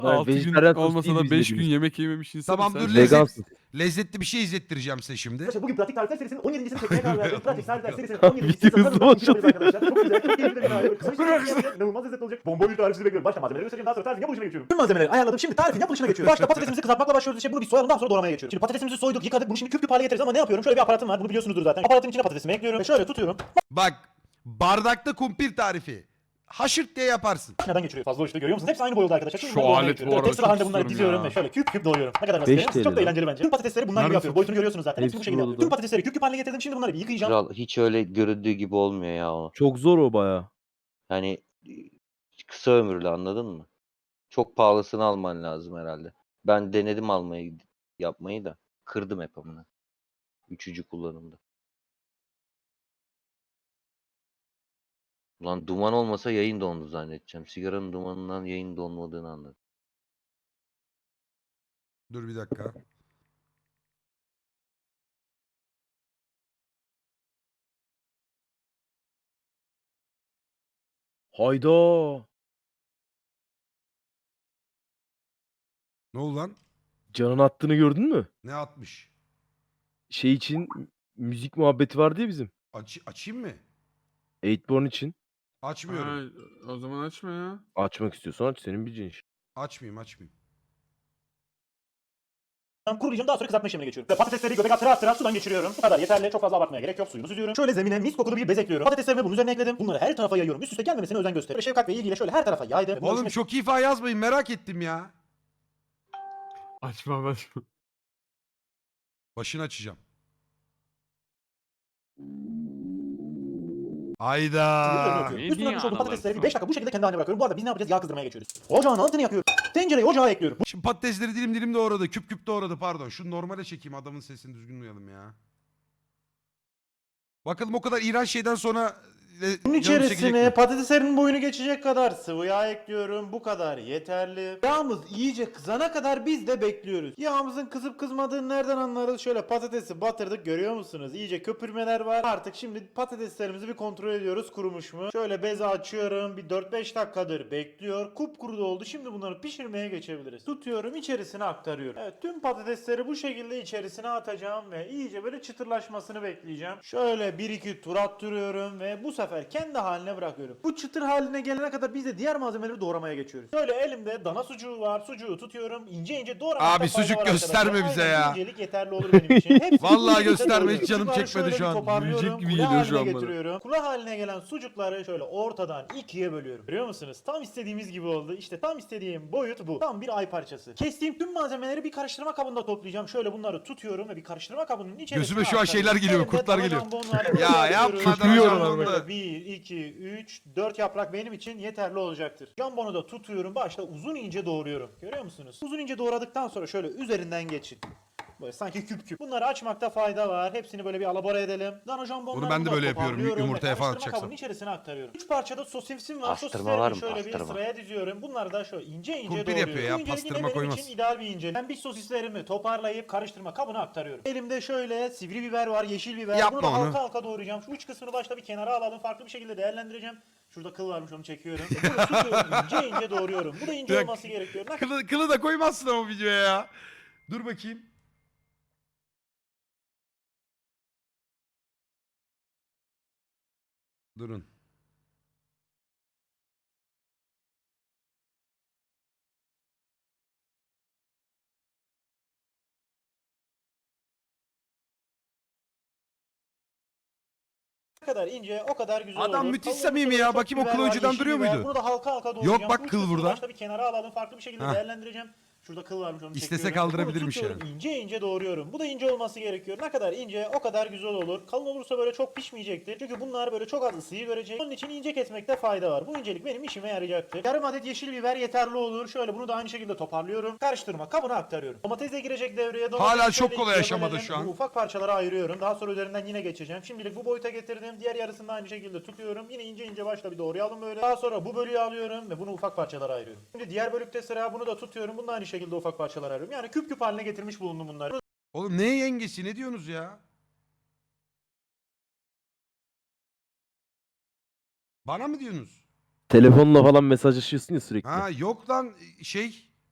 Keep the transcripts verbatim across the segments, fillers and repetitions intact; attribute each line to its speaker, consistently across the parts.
Speaker 1: altı gün
Speaker 2: vejetaryen tost
Speaker 1: olmasa
Speaker 2: değil
Speaker 1: da
Speaker 2: biz
Speaker 1: beş gün
Speaker 2: dediğimiz.
Speaker 1: yemek yememiş insan.
Speaker 3: Tamam dur
Speaker 1: sen.
Speaker 3: lezzet,
Speaker 2: Vegansın.
Speaker 3: lezzetli bir şey izlettireceğim size şimdi.
Speaker 4: Arkadaşlar bugün pratik tarifler serisinin on yedincisini çekmeye karar verdim. Pratik tarifler serisinin
Speaker 2: Video
Speaker 4: on yedincisini
Speaker 2: hızlı
Speaker 4: sanırım
Speaker 2: olacak.
Speaker 4: yapacağız arkadaşlar. Çok güzel, çok keyifli bir tarif. Kısa bir sürede gerçekten inanılmaz lezzetli olacak. Bomba bir tarif sizi bekliyorum. Başta malzemeleri göstereceğim, daha sonra tarifin yapılışına geçiyorum. Tüm malzemeleri ayarladım. Şimdi tarifin yapılışına geçiyorum. Başta patatesimizi kızartmakla başlıyoruz. İşte bunu bir soyalım, daha sonra doğramaya geçiyorum. Şimdi patatesimizi soyduk, yıkadık. Bunu şimdi küp küp hale getireceğiz ama ne yapıyorum? Şöyle bir aparatım var. Bunu biliyorsunuzdur zaten. Aparatın içine patatesimi ekliyorum ve şöyle tutuyorum.
Speaker 3: Bak bardakta kumpir tarifi. Haşırt diye yaparsın.
Speaker 4: Neden geçiriyor? Fazla uçtu, görüyor musunuz? Hepsi aynı boyda arkadaşlar. Şimdi
Speaker 1: Şu
Speaker 4: bunları doğramaya
Speaker 1: alet
Speaker 4: geçiyorum.
Speaker 1: bu arada
Speaker 4: Tek sıra
Speaker 1: çok
Speaker 4: halinde bunları
Speaker 1: istiyorum
Speaker 4: diziyorum
Speaker 1: ya.
Speaker 4: ve şöyle küp küp doğruyorum. Ne kadar
Speaker 2: Beş
Speaker 4: basit. Çok da
Speaker 2: T L.
Speaker 4: eğlenceli bence. Tüm patatesleri bunlar gibi
Speaker 1: Nerede
Speaker 4: yapıyorum. Boyutunu görüyorsunuz zaten. Hepsi
Speaker 2: Hepsi
Speaker 4: bu şekilde
Speaker 2: burada.
Speaker 4: yapıyorum. Tüm patatesleri küp küp haline getirdim. Şimdi bunları bir yıkayacağım.
Speaker 5: Kral hiç öyle göründüğü gibi olmuyor ya o.
Speaker 2: Çok zor o baya.
Speaker 5: Yani e, kısa ömürlü, anladın mı? Çok pahalısını alman lazım herhalde. Ben denedim almayı yapmayı da kırdım hep amına. Üçüncü kullanımda. Ulan duman olmasa yayın dondu zannedeceğim. Sigaranın dumanından yayın donmadığını anladım.
Speaker 3: Dur bir dakika.
Speaker 2: Hayda.
Speaker 3: Ne oldu lan?
Speaker 2: Can'ın attığını gördün mü?
Speaker 3: Ne atmış?
Speaker 2: Şey için müzik muhabbeti vardı ya bizim.
Speaker 3: Aç, açayım mı?
Speaker 2: Eightborn için.
Speaker 3: Açmıyorum.
Speaker 1: Ha, o zaman açma ya.
Speaker 2: Açmak istiyorsan aç, senin bileceğin iş.
Speaker 3: Açmayayım açmayayım.
Speaker 4: Kurulayacağım, daha sonra kızartma işlemine geçiyorum. Ve patatesleri göbek attıra attıra sudan geçiriyorum. Bu kadar yeterli, çok fazla abartmaya gerek yok. Suyunu süzüyorum. Şöyle zemine mis kokulu bir bez ekliyorum. Patateslerimi bunun üzerine ekledim. Bunları her tarafa yayıyorum. Üst üste gelmemesine özen gösteriyorum. Ve şefkat ve ilgiyle şöyle her tarafa yaydım. Ve bunları
Speaker 3: Oğlum
Speaker 4: şimdi-
Speaker 3: çok iyi falan yazmayın, merak ettim ya.
Speaker 1: Açma açma.
Speaker 3: Başını açacağım. Hayda.
Speaker 4: üzerine atıyorum.
Speaker 1: Ne
Speaker 4: Üstüne
Speaker 1: diyor
Speaker 4: atmış olduğum patatesleri bir
Speaker 1: analar
Speaker 4: beş dakika bu şekilde kendi haline bırakıyorum. Bu arada biz ne yapacağız? Yağ kızdırmaya geçiyoruz. Ocağın altını yakıyorum. Tencereyi ocağa ekliyorum.
Speaker 3: Şimdi patatesleri dilim dilim doğradı. Küp küp doğradı pardon. Şunu normale çekeyim, adamın sesini düzgün duyalım ya. Bakalım o kadar iğrenç şeyden sonra e,
Speaker 6: Bunun
Speaker 3: canım çekecek
Speaker 6: içerisine
Speaker 3: mi?
Speaker 6: patateslerin boyunu geçecek kadar sıvı yağ ekliyorum. Bu kadar yeterli. Yağımız iyice kızana kadar biz de bekliyoruz. Yağımızın kızıp kızmadığını nereden anlarız? Şöyle patatesi batırdık, görüyor musunuz? İyice köpürmeler var. Artık şimdi patateslerimizi bir kontrol ediyoruz, kurumuş mu? Şöyle bezi açıyorum. Bir dört beş dakikadır bekliyor. Kupkuru da oldu. Şimdi bunları pişirmeye geçebiliriz. Tutuyorum, içerisine aktarıyorum. Evet, tüm patatesleri bu şekilde içerisine atacağım ve iyice böyle çıtırlaşmasını bekleyeceğim. Şöyle bir iki tur attırıyorum ve bu sefer kendi haline bırakıyorum. Bu çıtır haline gelene kadar biz de diğer malzemeleri doğramaya geçiyoruz. Şöyle elimde dana sucuğu var. Sucuğu tutuyorum. İnce ince doğramakta
Speaker 3: Abi
Speaker 6: fayda
Speaker 3: sucuk
Speaker 6: var
Speaker 3: gösterme
Speaker 6: arkadaşlar.
Speaker 3: bize
Speaker 6: Aynen,
Speaker 3: ya.
Speaker 6: incelik yeterli olur benim için. Hepsini
Speaker 3: Vallahi
Speaker 6: bu şekilde
Speaker 3: gösterme,
Speaker 6: doğruyorum.
Speaker 3: hiç canım
Speaker 6: Sucukları
Speaker 3: çekmedi
Speaker 6: şöyle
Speaker 3: şu
Speaker 6: bir
Speaker 3: an.
Speaker 6: toparlıyorum,
Speaker 1: Yiyecek gibi
Speaker 6: kule
Speaker 1: geliyor şu
Speaker 6: haline
Speaker 1: an bana.
Speaker 6: getiriyorum. Kule haline gelen sucukları şöyle ortadan ikiye bölüyorum. Görüyor musunuz? Tam istediğimiz gibi oldu. İşte tam istediğim boyut bu. Tam bir ay parçası. Kestiğim tüm malzemeleri bir karıştırma kabında toplayacağım. Şöyle bunları tutuyorum ve bir karıştırma kabının içerisine
Speaker 3: Gözüme şu an
Speaker 6: aktarıyorum.
Speaker 3: şeyler geliyor,
Speaker 6: Elimde
Speaker 3: kurtlar
Speaker 6: dana
Speaker 3: geliyor.
Speaker 6: jambonlar,
Speaker 3: Ya
Speaker 6: böyle
Speaker 3: yapma,
Speaker 6: yapıyorum.
Speaker 3: dana
Speaker 6: Jambonu
Speaker 3: jambon da.
Speaker 6: böyle bir, iki, üç, dört yaprak benim için yeterli olacaktır. Jambonu da tutuyorum. Başta uzun ince doğruyorum. Görüyor musunuz? Uzun ince doğradıktan sonra şöyle üzerinden geçin. Böyle sanki küp küp. Bunları açmakta fayda var. Hepsini böyle bir alabora edelim. Dana jambonları
Speaker 3: Bunu ben de
Speaker 6: bunları
Speaker 3: böyle yapıyorum,
Speaker 6: toparlıyorum
Speaker 3: yumurtaya
Speaker 6: ve
Speaker 3: falan
Speaker 6: karıştırma
Speaker 3: atacaksam.
Speaker 6: kabının içerisine aktarıyorum. üç parçada sosimsim var.
Speaker 5: Pastırma var
Speaker 6: Sosislerimi
Speaker 5: mı?
Speaker 6: şöyle bir
Speaker 5: Pastırma.
Speaker 6: sıraya diziyorum. Bunları da şöyle ince ince
Speaker 3: Kumpir
Speaker 6: doğruyorum.
Speaker 3: yapıyor ya,
Speaker 6: Bu incelik yine
Speaker 3: pastırma
Speaker 6: benim
Speaker 3: koymaz.
Speaker 6: için ideal bir incelik. Ben bir sosislerimi toparlayıp karıştırma kabına aktarıyorum. Elimde şöyle sivri biber var, yeşil biber.
Speaker 3: Yapma
Speaker 6: Bunu da
Speaker 3: onu.
Speaker 6: halka halka doğrayacağım. Şu uç kısmını başta bir kenara alalım. Farklı bir şekilde değerlendireceğim. Şurada kıl varmış, onu çekiyorum. E, Bunu tutuyorum, ince ince doğruyorum. Bu da ince
Speaker 3: Ya,
Speaker 6: olması gerekiyor. Ne
Speaker 3: Kılı, kılı da koymazsın ama videoya ya. Dur bakayım. Durun.
Speaker 6: kadar ince, o kadar güzel
Speaker 3: Adam
Speaker 6: olur.
Speaker 3: müthiş
Speaker 6: Kavurması
Speaker 3: samimi
Speaker 6: böyle
Speaker 3: ya.
Speaker 6: çok
Speaker 3: Bakayım o
Speaker 6: biber
Speaker 3: kılı
Speaker 6: var,
Speaker 3: önceden
Speaker 6: yeşil
Speaker 3: duruyor
Speaker 6: biber.
Speaker 3: muydu?
Speaker 6: Bunu da halka halka doğrayacağım.
Speaker 3: bak
Speaker 6: Bu uç
Speaker 3: kıl
Speaker 6: kısmını
Speaker 3: burada.
Speaker 6: Başta bir kenara alalım, farklı bir şekilde
Speaker 3: Hah.
Speaker 6: değerlendireceğim. Şurada kıl varmış, onu
Speaker 3: İstese
Speaker 6: çekiyorum.
Speaker 3: kaldırabilirmiş
Speaker 6: Bunu tutuyorum, ince ince doğruyorum. Bu da ince olması gerekiyor. Ne kadar ince, o kadar güzel olur. Kalın olursa böyle çok pişmeyecektir. Çünkü bunlar böyle çok az ısıyı görecek. Onun için ince kesmekte fayda var. Bu incelik benim işime yarayacaktır. Yarım adet yeşil biber yeterli olur. Şöyle bunu da aynı şekilde toparlıyorum. Karıştırma kabına aktarıyorum. Domates de girecek devreye. Domatesi
Speaker 3: Hala
Speaker 6: şöyle
Speaker 3: çok kolay
Speaker 6: ikiye
Speaker 3: aşamada
Speaker 6: bölelim.
Speaker 3: şu an.
Speaker 6: Bu ufak parçalara ayırıyorum. Daha sonra üzerinden yine geçeceğim. Şimdilik bu boyuta getirdim. Diğer yarısını da aynı şekilde tutuyorum. Yine ince ince başta bir doğrayalım böyle. Daha sonra bu bölüğü alıyorum ve bunu ufak parçalara ayırıyorum. Şimdi diğer bölükte sıra, bunu da tutuyorum. Bunu da aynı şekilde ufak parçalara ayırıyorum. Yani küp küp haline getirmiş bulundum bunları.
Speaker 3: Oğlum ne yengesi, ne diyorsunuz ya? Bana mı diyorsunuz?
Speaker 2: Telefonla falan mesajlaşıyorsun ya sürekli.
Speaker 3: Ha yok lan şey.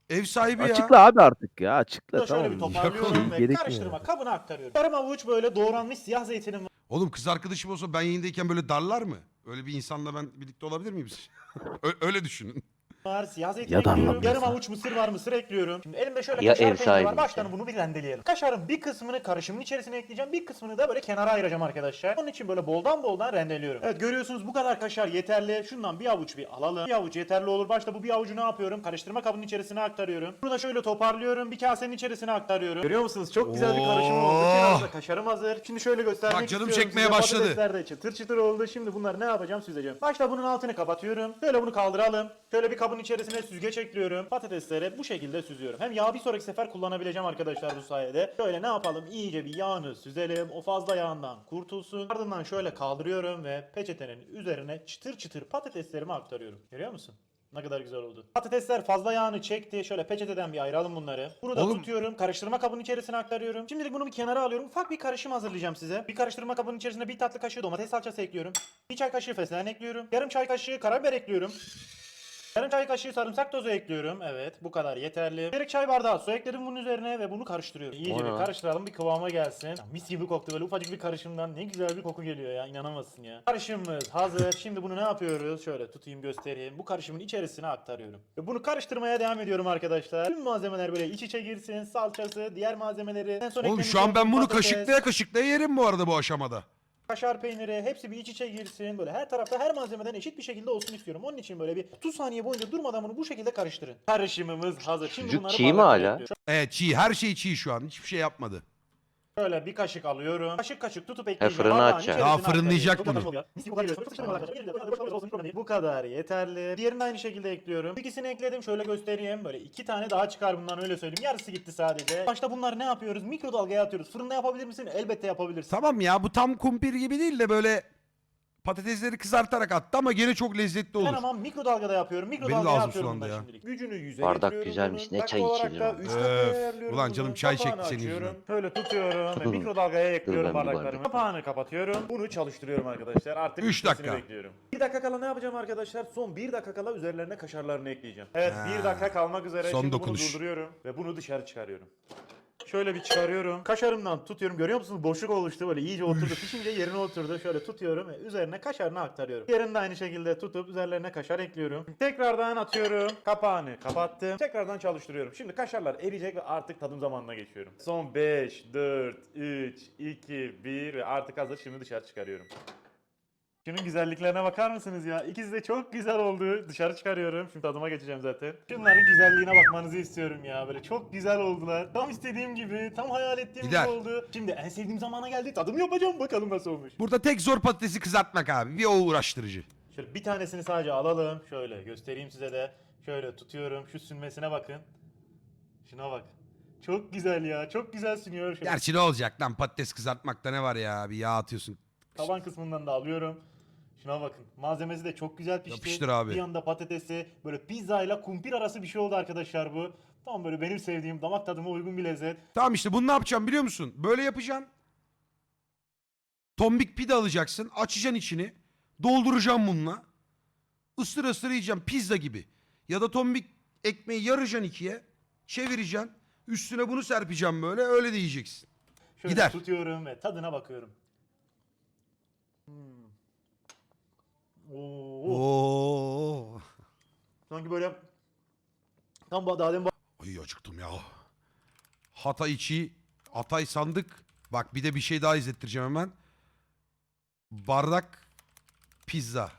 Speaker 3: Ev sahibi ya.
Speaker 2: Açıkla abi artık ya. Açıkla
Speaker 6: Bunu da şöyle
Speaker 2: tamam.
Speaker 6: bir toparlıyorum
Speaker 2: Şey
Speaker 6: ve
Speaker 2: gerekmiyor.
Speaker 6: karıştırma kabına aktarıyorum. Yarım avuç böyle doğranmış siyah zeytinim
Speaker 3: Oğlum kız arkadaşım olsa ben yayındayken böyle darlar mı? Öyle bir insanla ben birlikte olabilir miyim? Ö- öyle düşünün.
Speaker 6: var, siyah zeytin
Speaker 2: Ya da
Speaker 6: ekliyorum.
Speaker 2: anlamıyorsa.
Speaker 6: Yarım avuç mısır var, mısır ekliyorum. Şimdi elimde şöyle
Speaker 5: Ya
Speaker 6: kaşar
Speaker 5: ev
Speaker 6: peyniri
Speaker 5: sahibi
Speaker 6: var. Baştan
Speaker 5: ise.
Speaker 6: bunu bir rendeleyelim. Kaşarın bir kısmını karışımın içerisine ekleyeceğim. Bir kısmını da böyle kenara ayıracağım arkadaşlar. Onun için böyle boldan boldan rendeliyorum. Evet, görüyorsunuz bu kadar kaşar yeterli. Şundan bir avuç bir alalım. Bir avuç yeterli olur. Başta bu bir avucu ne yapıyorum? Karıştırma kabının içerisine aktarıyorum. Bunu da şöyle toparlıyorum. Bir kasenin içerisine aktarıyorum. Görüyor musunuz? Çok güzel bir karışım oldu.
Speaker 3: Oo.
Speaker 6: Kenarda kaşarım hazır. Şimdi şöyle göstermek
Speaker 3: Bak canım
Speaker 6: istiyorum
Speaker 3: çekmeye
Speaker 6: size.
Speaker 3: başladı.
Speaker 6: Patatesler de çıtır çıtır oldu. Şimdi bunları ne yapacağım? Süzeceğim. Başta bunun altını kapatıyorum. Şöyle bunu kaldıralım. Şöyle bir kabın içerisine süzgeç ekliyorum. Patatesleri bu şekilde süzüyorum. Hem yağı bir sonraki sefer kullanabileceğim arkadaşlar bu sayede. Şöyle ne yapalım? İyice bir yağını süzelim. O fazla yağından kurtulsun. Ardından şöyle kaldırıyorum ve peçetenin üzerine çıtır çıtır patateslerimi aktarıyorum. Görüyor musun? Ne kadar güzel oldu. Patatesler fazla yağını çekti. Şöyle peçeteden bir ayıralım bunları. Bunu da
Speaker 3: Oğlum.
Speaker 6: tutuyorum. Karıştırma kabının içerisine aktarıyorum. Şimdilik bunu bir kenara alıyorum. Ufak bir karışım hazırlayacağım size. Bir karıştırma kabının içerisine bir tatlı kaşığı domates salçası ekliyorum. Bir çay kaşığı fesleğen ekliyorum. Yarım çay kaşığı karabiber ekliyorum. Yarım çay kaşığı sarımsak tozu ekliyorum. Evet, bu kadar yeterli. Bir çay bardağı su ekledim bunun üzerine ve bunu karıştırıyorum. İyice
Speaker 5: O ne
Speaker 6: bir
Speaker 5: lan?
Speaker 6: karıştıralım, bir kıvama gelsin. Ya, mis gibi koktu, böyle ufacık bir karışımdan ne güzel bir koku geliyor ya, inanamazsın ya. Karışımımız hazır. Şimdi bunu ne yapıyoruz? Şöyle tutayım, göstereyim. Bu karışımın içerisine aktarıyorum. Ve bunu karıştırmaya devam ediyorum arkadaşlar. Tüm malzemeler böyle iç içe girsin. Salçası, diğer malzemeleri. En son
Speaker 3: Oğlum
Speaker 6: eklemiş
Speaker 3: şu an ben
Speaker 6: olduğum
Speaker 3: bunu
Speaker 6: patates,
Speaker 3: kaşıklaya kaşıklaya yerim bu arada bu aşamada.
Speaker 6: kaşar peyniri, hepsi bir iç içe girsin. Böyle her tarafta her malzemeden eşit bir şekilde olsun istiyorum. Onun için böyle bir otuz saniye boyunca durmadan bunu bu şekilde karıştırın. Karışımımız hazır. Şimdi
Speaker 5: Sucuk
Speaker 6: bunları
Speaker 5: çiğ mi
Speaker 6: bardaklara
Speaker 5: hala?
Speaker 6: ekliyorum.
Speaker 3: Evet çiğ, her şey çiğ şu an. Hiçbir şey yapmadı.
Speaker 6: Şöyle bir kaşık alıyorum. Kaşık kaşık tutup ekleyeceğim.
Speaker 5: fırını
Speaker 6: Bardağın
Speaker 5: açacak.
Speaker 6: içerisine
Speaker 3: Daha fırınlayacak
Speaker 6: aktarıyorum.
Speaker 3: bunu.
Speaker 6: Mis gibi kokuyor. Çok sıçramalar arkadaşlar. Bu kadar yeterli. Diğerini aynı şekilde ekliyorum. İkisini ekledim. Şöyle göstereyim. Böyle iki tane daha çıkar bundan, öyle söyleyeyim. Yarısı gitti sadece. Başta bunları ne yapıyoruz? Mikrodalgaya atıyoruz. Fırında yapabilir misin? Elbette yapabilirsin.
Speaker 3: Tamam ya bu tam kumpir gibi değil de böyle patatesleri kızartarak attı ama gene çok lezzetli
Speaker 6: Ben
Speaker 3: olur.
Speaker 6: ama mikrodalgada yapıyorum.
Speaker 3: Benim de
Speaker 6: Mikrodalgaya
Speaker 3: ağzım
Speaker 6: atıyorum
Speaker 3: sulandı
Speaker 6: bundan
Speaker 3: ya.
Speaker 6: şimdilik. Gücünü yüze
Speaker 5: Bardak
Speaker 6: getiriyorum
Speaker 5: güzelmiş,
Speaker 6: bunun.
Speaker 5: ne
Speaker 6: Dakika
Speaker 5: çay
Speaker 6: olarak
Speaker 5: içilir
Speaker 6: da
Speaker 5: ama.
Speaker 6: üç
Speaker 3: Öf,
Speaker 6: dakikaya ayarlıyorum
Speaker 3: ulan
Speaker 6: bunu.
Speaker 3: canım çay
Speaker 6: Kapağını
Speaker 3: çekti senin
Speaker 6: açıyorum.
Speaker 3: yüzünden.
Speaker 6: Şöyle tutuyorum ve mikrodalgaya ekliyorum
Speaker 5: ben bir bardak.
Speaker 6: bardaklarımı. Kapağını kapatıyorum. Bunu çalıştırıyorum arkadaşlar. Artık
Speaker 3: Üç
Speaker 6: bitmesini
Speaker 3: dakika.
Speaker 6: bekliyorum. Bir dakika kala ne yapacağım arkadaşlar? Son bir dakika kala üzerlerine kaşarlarını ekleyeceğim. Evet,
Speaker 3: Ha.
Speaker 6: bir dakika kalmak üzere.
Speaker 3: Son
Speaker 6: Şimdi
Speaker 3: dokunuş.
Speaker 6: bunu durduruyorum ve bunu dışarı çıkarıyorum. Şöyle bir çıkarıyorum. Kaşarımdan tutuyorum. Görüyor musunuz? Boşluk oluştu. Böyle iyice oturdu. Pişince yerine oturdu. Şöyle tutuyorum ve üzerine kaşarını aktarıyorum. Diğerini de aynı şekilde tutup üzerlerine kaşar ekliyorum. Tekrardan atıyorum. Kapağını kapattım. Tekrardan çalıştırıyorum. Şimdi kaşarlar eriyecek ve artık tadım zamanına geçiyorum. Son beş, dört, üç, iki, bir ve artık hazır. Şimdi dışarı çıkarıyorum. Şunun güzelliklerine bakar mısınız ya? İkisi de çok güzel oldu. Dışarı çıkarıyorum. Şimdi tadıma geçeceğim zaten. Şunların güzelliğine bakmanızı istiyorum ya. Böyle çok güzel oldular. Tam istediğim gibi, tam hayal ettiğim
Speaker 3: Gider.
Speaker 6: gibi oldu. Şimdi en sevdiğim zamana geldi. Tadım yapacağım. Bakalım nasıl olmuş.
Speaker 3: Burada tek zor patatesi kızartmak abi. Bir o uğraştırıcı.
Speaker 6: Şöyle bir tanesini sadece alalım. Şöyle göstereyim size de. Şöyle tutuyorum. Şu sünmesine bakın. Şuna bak. Çok güzel ya. Çok güzel sünüyor. Şöyle
Speaker 3: Gerçi ne olacak lan patates kızartmakta ne var ya? Bir yağ atıyorsun.
Speaker 6: taban kısmından da alıyorum. Şuna bakın. Malzemesi de çok güzel pişti.
Speaker 3: Yapıştır abi.
Speaker 6: Bir yanda patatesi, böyle pizza ile kumpir arası bir şey oldu arkadaşlar bu. Tam böyle benim sevdiğim, damak tadıma uygun bir lezzet.
Speaker 3: Tamam işte bunu ne yapacağım biliyor musun? Böyle yapacaksın. Tombik pide alacaksın. Açacaksın içini. Dolduracaksın bununla. Isır ısır yiyeceksin. Pizza gibi. Ya da tombik ekmeği yaracaksın ikiye. Çevireceksin. Üstüne bunu serpeceksin böyle. Öyle de yiyeceksin.
Speaker 6: Şöyle
Speaker 3: Gider.
Speaker 6: tutuyorum ve tadına bakıyorum. Hmm. Oo.
Speaker 3: Oo.
Speaker 6: Sanki böyle tam bu daha demin
Speaker 3: Ay acıktım ya. Hatay içi. Hatay sandık. Bak bir de bir şey daha izlettireceğim hemen. Bardak pizza.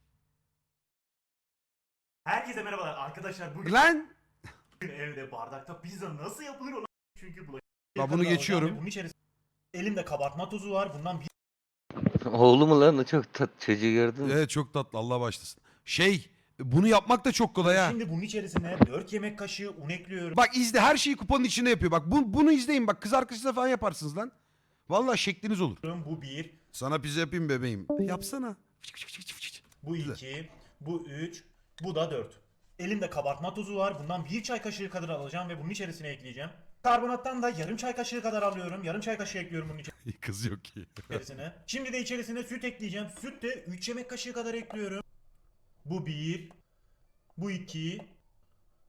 Speaker 6: Herkese merhabalar arkadaşlar, bugün
Speaker 3: Lan.
Speaker 6: evde bardakta pizza nasıl yapılır ona çünkü bulaşık.
Speaker 3: Ben bunu geçiyorum.
Speaker 6: Bunun içerisinde elimde kabartma tozu var. Bundan bir
Speaker 5: Oğlu mu lan o, çok tat çocuğu gördün mü?
Speaker 3: Evet çok tatlı Allah başlasın. Şey bunu yapmak da çok kolay ha.
Speaker 6: Şimdi bunun içerisine dört yemek kaşığı un ekliyorum.
Speaker 3: Bak izle her şeyi kupanın içinde yapıyor. Bak bu, bunu izleyin bak kız arkadaşınızla falan yaparsınız lan. Vallahi şekliniz olur.
Speaker 6: Bu bir,
Speaker 3: Sana pizza yapayım bebeğim. Yapsana.
Speaker 6: bu iki, bu üç, bu da dört. Elimde kabartma tozu var. Bundan bir çay kaşığı kadar alacağım ve bunun içerisine ekleyeceğim. Karbonattan da yarım çay kaşığı kadar alıyorum. Yarım çay kaşığı ekliyorum bunun
Speaker 3: Kız yok ki.
Speaker 6: içerisine. Şimdi de içerisine süt ekleyeceğim. Süt de üç yemek kaşığı kadar ekliyorum. Bu bir, bu iki,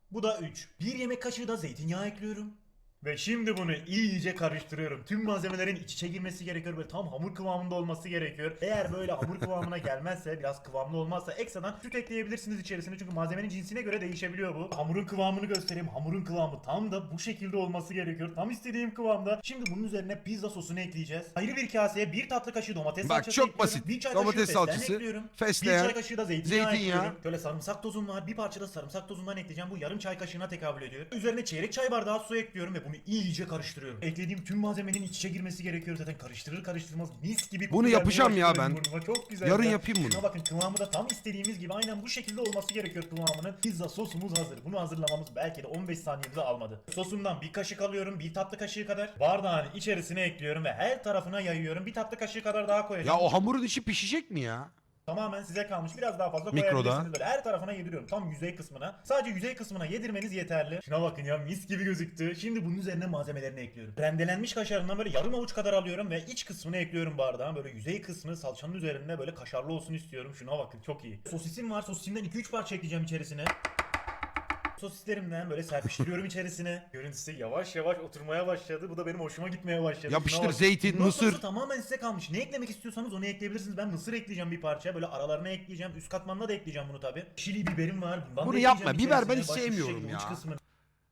Speaker 4: Bu da üç. Bir yemek kaşığı da zeytinyağı ekliyorum. Ve şimdi bunu iyice karıştırıyorum. Tüm malzemelerin iç içe girmesi gerekiyor. Böyle tam hamur kıvamında olması gerekiyor. Eğer böyle hamur kıvamına gelmezse, biraz kıvamlı olmazsa ekstradan süt ekleyebilirsiniz içerisine. Çünkü malzemenin cinsine göre değişebiliyor bu. Hamurun kıvamını göstereyim. Hamurun kıvamı tam da bu şekilde olması gerekiyor. Tam istediğim kıvamda. Şimdi bunun üzerine pizza sosunu ekleyeceğiz. Ayrı bir kaseye bir tatlı kaşığı domates
Speaker 3: Bak,
Speaker 4: salçası
Speaker 3: çok
Speaker 4: ekliyorum.
Speaker 3: basit.
Speaker 4: Bir çay
Speaker 3: Domates
Speaker 4: kaşığı fesleğen
Speaker 3: salçası,
Speaker 4: ekliyorum.
Speaker 3: fesleğen,
Speaker 4: Bir çay kaşığı da zeytinyağı,
Speaker 3: zeytinyağı.
Speaker 4: ekliyorum. Şöyle sarımsak tozum var. Bir parça da sarımsak tozundan ekleyeceğim. Bu yarım çay kaşığına tekabül ediyor. Üzerine çeyrek çay bardağı su ekliyorum ve bunu iyice karıştırıyorum. Eklediğim tüm malzemenin iç içe girmesi gerekiyor. Zaten karıştırır karıştırmaz mis gibi.
Speaker 3: Bunu
Speaker 4: koku
Speaker 3: yapacağım
Speaker 4: gelmeye
Speaker 3: ya
Speaker 4: başladı
Speaker 3: ben.
Speaker 4: burnuma. Çok güzel.
Speaker 3: Yarın
Speaker 4: ya.
Speaker 3: yapayım bunu.
Speaker 4: Şuna bakın, kıvamı da tam istediğimiz gibi aynen bu şekilde olması gerekiyor kıvamının. Pizza sosumuz hazır. Bunu hazırlamamız belki de on beş saniyemizi almadı. Sosumdan bir kaşık alıyorum. Bir tatlı kaşığı kadar. Bardağın içerisine ekliyorum ve her tarafına yayıyorum. Bir tatlı kaşığı kadar daha
Speaker 3: Ya
Speaker 4: koyacağım.
Speaker 3: o hamurun içi pişecek mi ya?
Speaker 4: Tamamen size kalmış. Biraz daha fazla
Speaker 3: Mikroda.
Speaker 4: koyabilirsiniz. Böyle her tarafına yediriyorum. Tam yüzey kısmına. Sadece yüzey kısmına yedirmeniz yeterli. Şuna bakın ya, mis gibi gözüktü. Şimdi bunun üzerine malzemelerini ekliyorum. Rendelenmiş kaşarından böyle yarım avuç kadar alıyorum ve iç kısmını ekliyorum bardağın. Böyle yüzey kısmı salçanın üzerinde böyle kaşarlı olsun istiyorum. Şuna bakın, çok iyi. Sosisim var. Sosisimden iki üç parça ekleyeceğim içerisine. Sosislerimden böyle serpiştiriyorum içerisine. Görüntüsü yavaş yavaş oturmaya başladı. Bu da benim hoşuma gitmeye başladı.
Speaker 3: Yapıştır,
Speaker 4: Şuna bak.
Speaker 3: zeytin,
Speaker 4: Bundan
Speaker 3: mısır.
Speaker 4: sonrası tamamen size kalmış. Ne eklemek istiyorsanız onu ekleyebilirsiniz. Ben mısır ekleyeceğim bir parça. Böyle aralarına ekleyeceğim. Üst katmanına da ekleyeceğim bunu tabi. Çili biberim var. Bundan
Speaker 3: Bunu
Speaker 4: da
Speaker 3: yapma.
Speaker 4: ekleyeceğim
Speaker 3: Biber ben
Speaker 4: içerisine.
Speaker 3: hiç
Speaker 4: Başka şu
Speaker 3: sevmiyorum
Speaker 4: şekilde
Speaker 3: ya.
Speaker 4: uç kısmını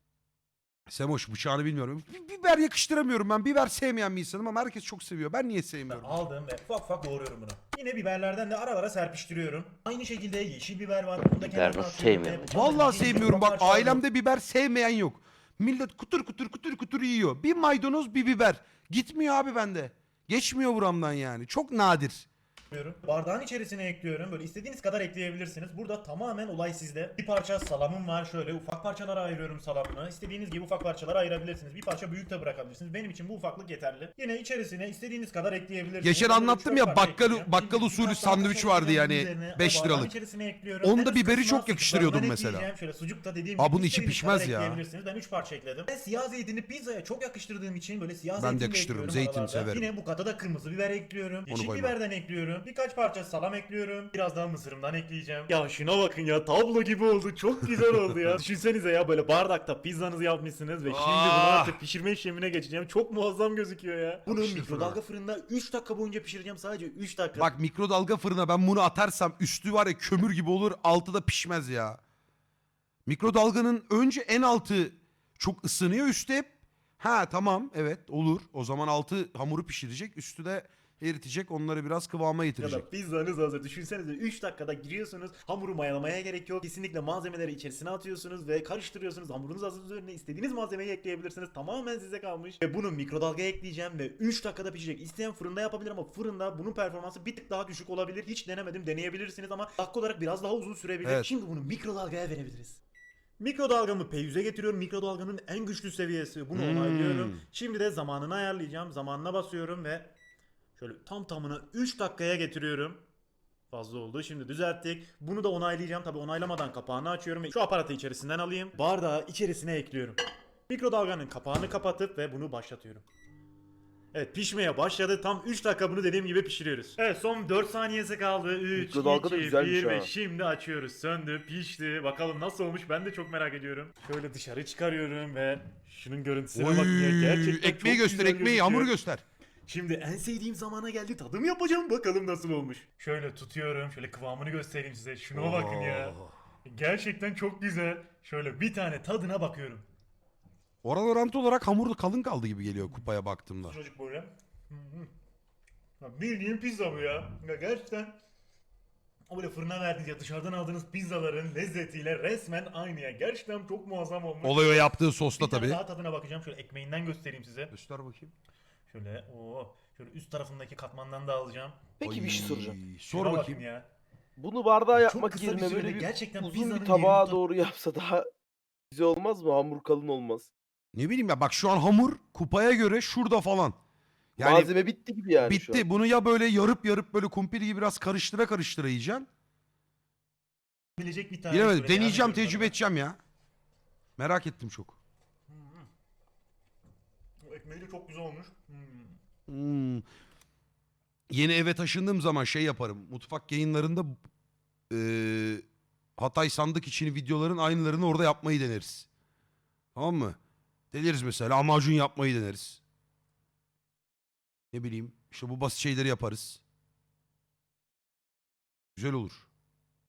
Speaker 3: Semoş, bıçağını bilmiyorum. Bi- Biber yakıştıramıyorum ben. Biber sevmeyen bir insanım ama herkes çok seviyor. Ben niye sevmiyorum?
Speaker 4: aldım ve ufak ufak doğruyorum bunu. Yine biberlerden de aralara serpiştiriyorum. Aynı şekilde yeşil biber var. Bunu da
Speaker 5: Biber
Speaker 4: kenarına
Speaker 5: nasıl
Speaker 4: atıyorum
Speaker 5: sevmiyorum?
Speaker 4: ve-
Speaker 3: Vallahi
Speaker 4: Bildiğiniz
Speaker 3: sevmiyorum. Bak,
Speaker 4: ufak parçalar
Speaker 3: ailemde biber sevmeyen yok. Millet kutur kutur kutur kutur yiyor. Bir maydanoz, bir biber. Gitmiyor abi bende. Geçmiyor buramdan yani. Çok nadir.
Speaker 4: yapıyorum. Bardağın içerisine ekliyorum. Böyle istediğiniz kadar ekleyebilirsiniz. Burada tamamen olay sizde. Bir parça salamım var. Şöyle ufak parçalara ayırıyorum salamını. İstediğiniz gibi ufak parçalara ayırabilirsiniz. Bir parça büyük de bırakabilirsiniz. Benim için bu ufaklık yeterli. Yine içerisine istediğiniz kadar ekleyebilirsiniz.
Speaker 3: Geçen
Speaker 4: Ben böyle
Speaker 3: anlattım
Speaker 4: üç dört
Speaker 3: ya,
Speaker 4: parça
Speaker 3: bakkal-
Speaker 4: ekleyeceğim.
Speaker 3: bakkal
Speaker 4: Şimdi
Speaker 3: usulü
Speaker 4: birkaç daha
Speaker 3: sandviç
Speaker 4: kaşık
Speaker 3: vardı
Speaker 4: ekleyeceğim
Speaker 3: yani,
Speaker 4: üzerine. O
Speaker 3: beş
Speaker 4: bardağın
Speaker 3: liralık.
Speaker 4: içerisine ekliyorum.
Speaker 3: Onda
Speaker 4: En üst
Speaker 3: biberi
Speaker 4: kısmına
Speaker 3: çok yakıştırıyordum
Speaker 4: sucuklardan
Speaker 3: mesela.
Speaker 4: ekleyeceğim. Şöyle sucuk da dediğim
Speaker 3: Aa,
Speaker 4: gibi
Speaker 3: bunun içi
Speaker 4: istediğiniz
Speaker 3: pişmez
Speaker 4: kadar
Speaker 3: ya.
Speaker 4: ekleyebilirsiniz. Ben üç parça ekledim. Ben siyah zeytini pizzaya çok yakıştırdığım için böyle siyah
Speaker 3: Ben de
Speaker 4: zeytin de
Speaker 3: yakıştırırım.
Speaker 4: ekliyorum
Speaker 3: Zeytin
Speaker 4: aralarda.
Speaker 3: severim.
Speaker 4: Yine bu kata da kırmızı biber ekliyorum. Yeşil
Speaker 3: koymam.
Speaker 4: biberden ekliyorum. Birkaç parça salam ekliyorum. Biraz daha mısırımdan ekleyeceğim. Ya şuna bakın ya, tablo gibi oldu. Çok güzel oldu ya. Düşünsenize ya, böyle bardakta pizzanızı yapmışsınız ve şimdi bunu
Speaker 3: Ah!
Speaker 4: artık pişirme işlemine geçeceğim. Çok muazzam gözüküyor ya. Bunu
Speaker 3: Yapıştır
Speaker 4: mikrodalga fırında üç dakika boyunca pişireceğim. Sadece üç dakika.
Speaker 3: Bak, mikrodalga fırına ben bunu atarsam üstü var ya kömür gibi olur, altı da pişmez ya. Mikrodalganın önce en altı çok ısınıyor, üstü hep. Ha tamam, evet olur. O zaman altı hamuru pişirecek, üstü de eritecek, onları biraz kıvama
Speaker 4: Ya
Speaker 3: getirecek.
Speaker 4: da pizzanız hazır. Düşünsenize üç dakikada giriyorsunuz. Hamuru mayalamaya gerek yok. Kesinlikle malzemeleri içerisine atıyorsunuz ve karıştırıyorsunuz. Hamurunuz hazır, üzerine istediğiniz malzemeyi ekleyebilirsiniz. Tamamen size kalmış. Ve bunu mikrodalgaya ekleyeceğim ve üç dakikada pişecek. İsteyen fırında yapabilir ama fırında bunun performansı bir tık daha düşük olabilir. Hiç denemedim, deneyebilirsiniz ama dakika olarak biraz daha uzun sürebilir.
Speaker 3: Evet.
Speaker 4: Şimdi bunu mikrodalgaya verebiliriz. Mikrodalgamı P yüze getiriyorum. Mikrodalganın en güçlü seviyesi. Bunu
Speaker 3: Hmm.
Speaker 4: onaylıyorum. Şimdi de zamanını ayarlayacağım. Zamanına basıyorum ve şöyle tam tamına üç dakikaya getiriyorum. Fazla oldu. Şimdi düzelttik. Bunu da onaylayacağım. Tabi onaylamadan kapağını açıyorum ve şu aparatı içerisinden alayım. Bardağı içerisine ekliyorum. Mikrodalganın kapağını kapatıp ve bunu başlatıyorum. Evet, pişmeye başladı. Tam üç dakika bunu dediğim gibi pişiriyoruz. Evet, son dört saniyesi kaldı. üç,
Speaker 2: Mikrodalga da
Speaker 4: iki,
Speaker 2: güzelmiş
Speaker 4: bir ve
Speaker 2: ha.
Speaker 4: şimdi açıyoruz. Söndü, pişti. Bakalım nasıl olmuş, ben de çok merak ediyorum. Şöyle dışarı çıkarıyorum ve şunun görüntüsüne
Speaker 3: Oy,
Speaker 4: bakın ya. Gerçekten
Speaker 3: ekmeği
Speaker 4: çok
Speaker 3: göster,
Speaker 4: güzel
Speaker 3: ekmeği,
Speaker 4: gözüküyor.
Speaker 3: hamuru göster.
Speaker 4: Şimdi en sevdiğim zamana geldi. Tadım yapacağım. Bakalım nasıl olmuş. Şöyle tutuyorum. Şöyle kıvamını göstereyim size. Şuna bakın ya. Gerçekten çok güzel. Şöyle bir tane tadına bakıyorum.
Speaker 3: Oran orantı olarak hamur da kalın kaldı gibi geliyor kupaya baktığımda.
Speaker 4: Çocuk böyle. Hı hı. Ya bildiğin pizza bu ya. Ya gerçekten o böyle fırına verdiğiniz ya dışarıdan aldığınız pizzaların lezzetiyle resmen aynı ya. Gerçekten çok muazzam olmuş.
Speaker 3: Olay o yaptığı
Speaker 4: Bir
Speaker 3: sosla
Speaker 4: tane
Speaker 3: tabii.
Speaker 4: daha tadına bakacağım. Şöyle ekmeğinden göstereyim size.
Speaker 3: Göster bakayım.
Speaker 4: Şöyle o şöyle üst tarafındaki katmandan da alacağım.
Speaker 2: Peki bir şey
Speaker 3: Oy,
Speaker 2: soracağım.
Speaker 3: Sor
Speaker 4: Şuna
Speaker 3: bakayım.
Speaker 4: bakın ya.
Speaker 2: Bunu bardağa
Speaker 4: Çok
Speaker 2: yapmak
Speaker 4: kısa bir
Speaker 2: yerine
Speaker 4: sürede
Speaker 2: böyle bir
Speaker 4: gerçekten
Speaker 2: uzun
Speaker 4: pizzanın
Speaker 2: bir tabağa
Speaker 4: yerini-
Speaker 2: doğru yapsa daha güzel olmaz mı? Hamur kalın olmaz.
Speaker 3: Ne bileyim ya, bak şu an hamur kupaya göre şurada falan. Yani
Speaker 2: Malzeme bitti gibi yani şu
Speaker 3: bitti.
Speaker 2: an.
Speaker 3: Bunu ya böyle yarıp yarıp böyle kumpir gibi biraz karıştıra karıştıra yiyeceksin.
Speaker 4: bilecek bir tane.
Speaker 3: Bilemedim.
Speaker 4: şöyle
Speaker 3: Deneyeceğim,
Speaker 4: yardım
Speaker 3: tecrübe
Speaker 4: ediyorum
Speaker 3: edeceğim ya. Merak ettim çok.
Speaker 4: tadına. O ekmeği de çok güzel olmuş. Hmm.
Speaker 3: Hmm. Yeni eve taşındığım zaman şey yaparım. Mutfak yayınlarında eee, Hatay sandık içini videoların aynılarını orada yapmayı deneriz. Tamam mı? Deneriz mesela amacun yapmayı deneriz. Ne bileyim işte bu basit şeyleri yaparız. Güzel olur.